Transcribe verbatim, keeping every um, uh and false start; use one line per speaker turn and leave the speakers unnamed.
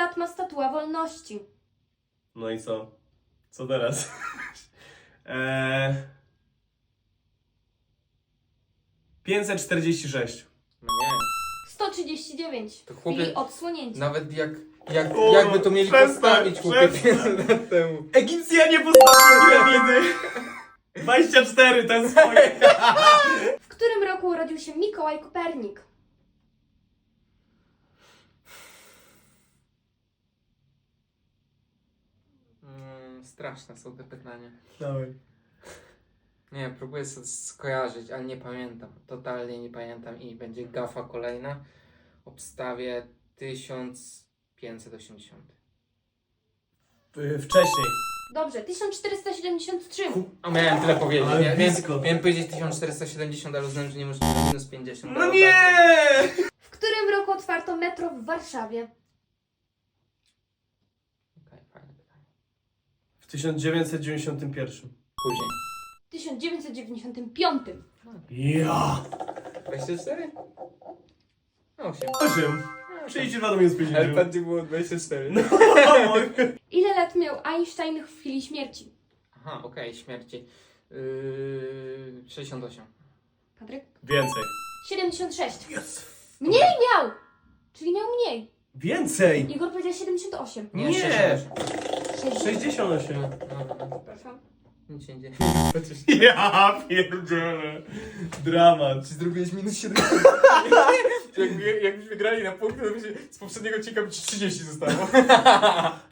lat ma statua wolności?
No i co? Co teraz? eee... pięćset czterdzieści sześć.
No nie.
sto trzydzieści dziewięć.
To
W
chłopie-
chwili odsłonięcia.
Nawet jak, jak,
O,
jakby to mieli
przestań,
postawić chłopie
przestań.
pięć lat temu.
Egipcjanie postawili piramidy! dwadzieścia cztery, ten swoje.
W którym roku urodził się Mikołaj Kopernik?
Mm, straszne są te pytania.
Dawaj.
Nie, próbuję sobie skojarzyć, ale nie pamiętam. Totalnie nie pamiętam i będzie gafa kolejna. Obstawię tysiąc pięćset osiemdziesiąt.
Y, Wcześniej.
Dobrze, tysiąc czterysta siedemdziesiąt trzy.
A miałem tyle powiedzieć.
Ale
Mia-
blisko.
miałem, miałem powiedzieć tysiąc czterysta siedemdziesiąt, ale uznałem, że nie może być minus pięćdziesiąt.
No nie!
W którym roku otwarto metro w Warszawie?
Okej, fajne pytanie.
W tysiąc dziewięćset dziewięćdziesiątym pierwszym.
Później.
W tysiąc dziewięćset dziewięćdziesiątym piątym.
Ja!
dwadzieścia cztery? osiem.
osiem. trzydzieści dwa do minus pięćdziesiąt.
gdzie było dwadzieścia cztery.
No,
Ile lat miał Einstein w chwili śmierci?
Aha, okej, śmierci. Yy, sześćdziesiąt osiem.
Patryk?
Więcej.
siedemdziesiąt sześć.
Yes.
Mniej miał! Czyli miał mniej.
Więcej!
Igor powiedział siedemdziesiąt osiem.
Nie.
sześćdziesiąt osiem.
sześćdziesiąt
No,
osiem.
no, no.
Przepraszam.
Nic się nie dzieje.
Ja pierdzielę. Dramat.
Czy zrobiłeś minus siedemdziesiąt? Jakby, jakbyśmy grali na punkty, to by się z poprzedniego odcinka by ci trzydzieści zostało.